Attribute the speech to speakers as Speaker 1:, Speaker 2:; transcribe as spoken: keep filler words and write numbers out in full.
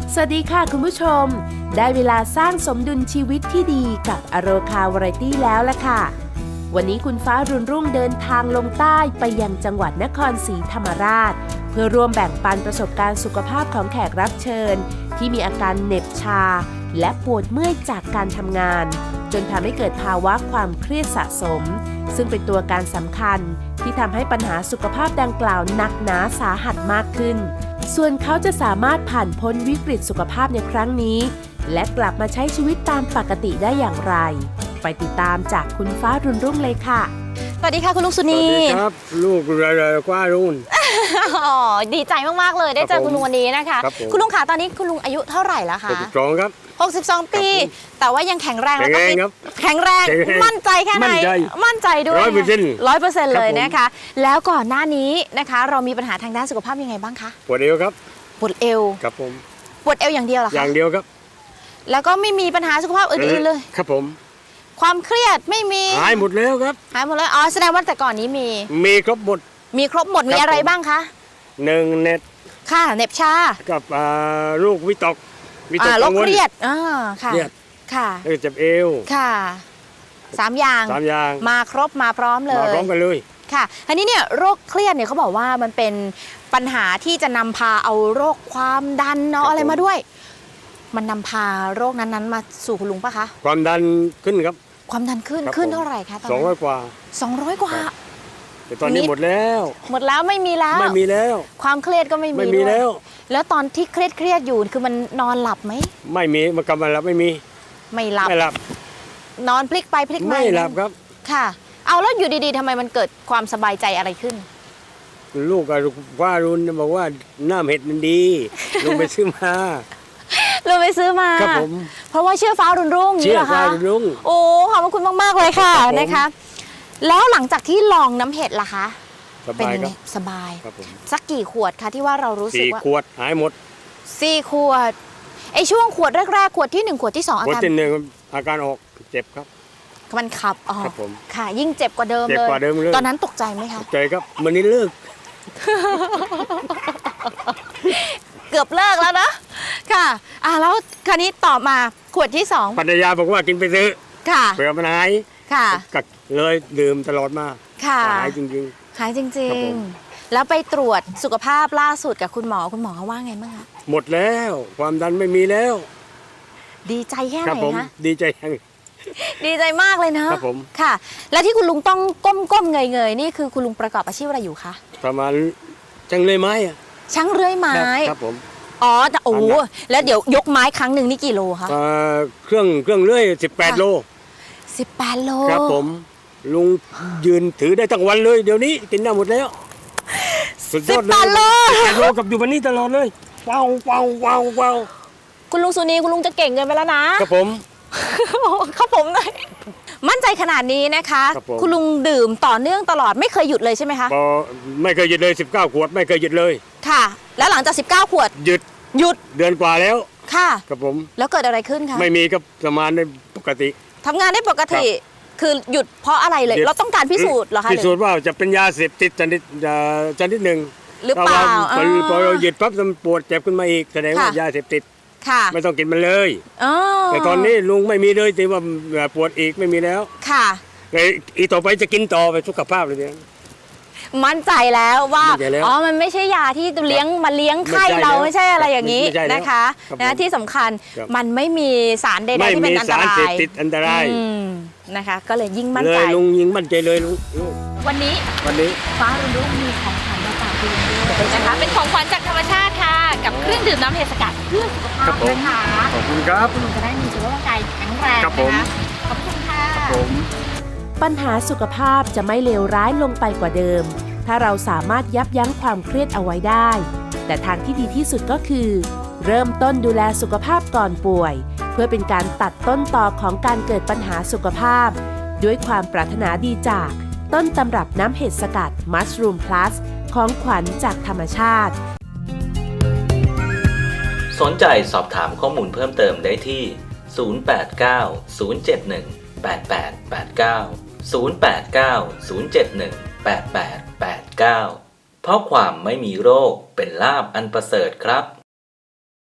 Speaker 1: สวัสดีค่ะคุณผู้ชมได้เวลาสร้างสมดุลชีวิตที่ดีกับอโรคาวาไรตี้แล้วล่ะค่ะวันนี้คุณฟ้ารุ่นรุ่งเดินทางลงใต้ไปยังจังหวัดนครศรีธรรมราชเพื่อร่วมแบ่งปันประสบการณ์สุขภาพของแขกรับเชิญที่มีอาการเหน็บชาและปวดเมื่อยจากการทำงานจนทำให้เกิดภาวะความเครียดสะสมซึ่งเป็นตัวการสำคัญที่ทำให้ปัญหาสุขภาพดังกล่าวหนักหนาสาหัสมากขึ้นส่วนเขาจะสามารถผ่านพ้นวิกฤตสุขภาพในครั้งนี้และกลับมาใช้ชีวิตตามปกติได้อย่างไรไปติดตามจากคุณฟ้ารุ่นรุ่งเลยค่ะ
Speaker 2: สวัสดีค่ะคุณลุงสุนี
Speaker 3: สวัสดีครับลูกเรยๆกว่ารุ่น
Speaker 2: อ๋อดีใจมากๆเลยได้เจอคุณลุงวันนี้นะคะคุณลุงคะตอนนี้คุณลุงอายุเท่าไหร่แล้วคะ
Speaker 3: หกสิบสองครับ
Speaker 2: หกสิบสองปีแต่ว่ายังแข็งแรงแล้วก็แข็งแรงมั่นใจแค่ไหนมั่นใจด้วย
Speaker 3: ร้อยเปอร์เซ็นต์
Speaker 2: ร้อยเปอร์เซ็นต์เลยนะคะแล้วก่อนหน้านี้นะคะเรามีปัญหาทางด้านสุขภาพยังไงบ้างคะ
Speaker 3: ปวดเอวครับ
Speaker 2: ปวดเอว
Speaker 3: ครับผม
Speaker 2: ปวดเอวอย่างเดียวเหรอคะ
Speaker 3: อย่างเดียวครับ
Speaker 2: แล้วก็ไม่มีปัญหาสุขภาพอื่นๆเลย
Speaker 3: ครับผม
Speaker 2: ความเครียดไม่มี
Speaker 3: หายหมดแล้วครับ
Speaker 2: หายหมดเลยอ๋อแสดงว่าแต่ก่อนนี้มี
Speaker 3: มีครบหมด
Speaker 2: มีครบหมดมีอะไรบ้างคะ
Speaker 3: หนึ่งเน็ต
Speaker 2: ค่ะเน็บชา
Speaker 3: กับลูกวิตก
Speaker 2: วิตกกังวลเครียดอ่าค่ะ
Speaker 3: เครียด
Speaker 2: ค่ะ
Speaker 3: เจ็บเอว
Speaker 2: ค่ะสามอย่าง
Speaker 3: สามอย่าง
Speaker 2: มาครบมาพร้อมเลย
Speaker 3: มาพร้อมกันเลย
Speaker 2: ค่ะอันนี้เนี่ยโรคเครียดเนี่ยเขาบอกว่ามันเป็นปัญหาที่จะนำพาเอาโรคความดันเนาะอะไรมาด้วยมันนำพาโรคนั้นๆมาสู่คุณลุงปะคะ
Speaker 3: ความดันขึ้นครับ
Speaker 2: ความดันขึ้นขึ้นเท่าไหร่คะตอนนี้
Speaker 3: สองร้อยกว่า
Speaker 2: สองร้อยกว่า
Speaker 3: แต่ตอนนี้หมดแล้ว
Speaker 2: หมดแล้วไม่มีแล้ว
Speaker 3: ไม่มีแล้ว
Speaker 2: ความเครียดก็ไม่มี
Speaker 3: ไม่มีแล้ว
Speaker 2: แล้วตอนที่เครียดเครียดอยู่คือมันนอนหลับไหม
Speaker 3: ไม่มีมันกำลังหลับไม่มี
Speaker 2: ไม่หลับ
Speaker 3: ไม่หลับ
Speaker 2: นอนพลิกไปพลิกมา
Speaker 3: ไม่หลับครับ
Speaker 2: ค่ะเอาแล้วอยู่ดีๆทำไมมันเกิดความสบายใจอะไรขึ้น
Speaker 3: ลูกกับว่ารุ่นบอกว่าน้ำเห็ดมันดีลงไปซื้อมา
Speaker 2: ลงไปซื้อมา
Speaker 3: ครับผม
Speaker 2: เพราะว่าเชื่อฟ้ารุ่นรุ่ง
Speaker 3: เชื่อฟ้ารุ่นรุ่ง
Speaker 2: โอ้ขอบคุณมากๆเลยค่ะนะคะแล้วหลังจากที่ลองน้ำเห็ดล่ะคะ
Speaker 3: เป็นยังไง
Speaker 2: สบายสักกี่ขวดคะที่ว่าเรารู้สึกว่า
Speaker 3: สี่ขวดหายหมด
Speaker 2: สี่ขวดไอช่วงขวดแรกๆขวดที่หนึ่งขวดที่สองอาการ
Speaker 3: ขวดที่หนึ่งอาการออกเจ็บครับ
Speaker 2: มันขับออก
Speaker 3: ครับผม
Speaker 2: ค่ะยิ่งเจ็บกว่าเดิมเลยตอนนั้นตกใจไหมคะ
Speaker 3: ตกใจครับวันนี้เลิก
Speaker 2: เกือบเลิกแล้วนะค่ะอ่าแล้วคราวนี้ต่อมาขวดที่สอง
Speaker 3: ภรรยาบอกว่ากินไปซื้อ
Speaker 2: ค่ะ
Speaker 3: เผื่อมันหาย
Speaker 2: ค่ะ
Speaker 3: ก็เลยดื่มตลอดมา
Speaker 2: ค่ะ
Speaker 3: หายจริง
Speaker 2: ๆหายจริงๆแล้วไปตรวจสุขภาพล่าสุดกับคุณหมอคุณหมอเขาว่าไงบ้างคะ
Speaker 3: หมดแล้วความดันไม่มีแล้ว
Speaker 2: ดีใจแค่ไหนคะ
Speaker 3: ดีใจยัง
Speaker 2: ดีใจมากเลยนะครับ
Speaker 3: ผม
Speaker 2: ค่ะแล้วที่คุณลุงต้องก้มๆเงยๆนี่คือคุณลุงประกอบอาชีพอะไรอยู่คะ
Speaker 3: ประมาณช่างเลื่อยไม้อะ
Speaker 2: ช่างเลื่อยไม้
Speaker 3: ครับผม
Speaker 2: อ๋อโอ้แล้วเดี๋ยวยกไม้ครั้งหนึ่งนี่กี่โลคะ
Speaker 3: เครื่องเครื่องเลื่อยสิบแปดโล
Speaker 2: สิบแปดโล
Speaker 3: ครับผมลุงยืนถือได้ทั้งวันเลยเดี๋ยวนี้กินได้หมดแล้ว
Speaker 2: สุดยอดเลยสิบแปดโล
Speaker 3: สิบแปดโลกับอยู่วันนี้ตลอดเลยว้าวว้าวว้าวว้าว
Speaker 2: คุณลุงสุนีคุณลุงจะเก่งเกินไปแล้วนะครับ
Speaker 3: ผม
Speaker 2: ครับผมเลยมั่นใจขนาดนี้นะคะคุณลุงดื่มต่อเนื่องตลอดไม่เคยหยุดเลยใช่ไหมคะ
Speaker 3: ไม่เคยหยุดเลยสิบเก้าขวดไม่เคยหยุดเลย
Speaker 2: ค่ะแล้วหลังจากสิบเก้าขวด
Speaker 3: หยุด
Speaker 2: หยุด
Speaker 3: เดือนกว่าแล้ว
Speaker 2: ค่ะ
Speaker 3: ครับผม
Speaker 2: แล้วเกิดอะไรขึ้นคะ
Speaker 3: ไม่มีครับสมานได้ปกติ
Speaker 2: ทำงานได้ปกติคือหยุดเพราะอะไรเลยเราต้องการพิสูจน์เหรอคะ
Speaker 3: พิสูจน์ว่าจะเป็นยาเสพติดชนิดชนิดหนึ่ง
Speaker 2: หรือเปล่า
Speaker 3: พอเราหยุดปั๊บมันปวดเจ็บขึ้นมาอีกแสดงว่ายาเสพติดไม่ต้องกินมันเลยแต่ตอนนี้ลุงไม่มีเลยแต่ว่าปวดอีกไม่มีแล้ว
Speaker 2: ค่ะ
Speaker 3: อีต่อไปจะกินต่อไปสุขภาพเลยเนี่ย
Speaker 2: มั่นใจแล้วว่าอ๋อมันไม่ใช่ยาที่เลี้ยงมาเลี้ยงไข้เราไม่ใช่อะไรอย่างนี้นะคะนะที่สำคัญมันไม่มีสารใดๆที่เป็นอันตราย
Speaker 3: ไม่มีสารเสพติดอันตราย
Speaker 2: นะคะก็เลยยิ่งมั่นใจ
Speaker 3: ลุงยิ่งมั่นใจเลยลุง
Speaker 2: วันนี้
Speaker 3: วันนี้
Speaker 2: ฟ้ารุ่นรุ่งมีของขวัญมาฝากคุณด้วยนะคะเป็นของขวัญจากธรรมชาติค่ะกับเครื่องดื่มน้ำเห็ดสกัดเพื่อสุขภาพนะคะ
Speaker 3: ขอบคุณครับ
Speaker 2: คุณจะได้มีสุขภาพกายแข็งแรงนะคะขอบคุณค่ะ
Speaker 1: ปัญหาสุขภาพจะไม่เลวร้ายลงไปกว่าเดิมถ้าเราสามารถยับยั้งความเครียดเอาไว้ได้แต่ทางที่ดีที่สุดก็คือเริ่มต้นดูแลสุขภาพก่อนป่วยเพื่อเป็นการตัดต้นตอของการเกิดปัญหาสุขภาพด้วยความปรารถนาดีจากต้นตำรับน้ำเห็ดสกัด Mushroom Plus ของขวัญจากธรรมชาติ
Speaker 4: สนใจสอบถามข้อมูลเพิ่มเติมได้ที่ศูนย์ แปด เก้า ศูนย์ เจ็ด หนึ่ง แปด แปด แปด เก้า ศูนย์ แปด เก้า ศูนย์ เจ็ด หนึ่ง แปด แปด แปด เก้าเพราะความไม่มีโรคเป็นลาภอันประเสริฐครับ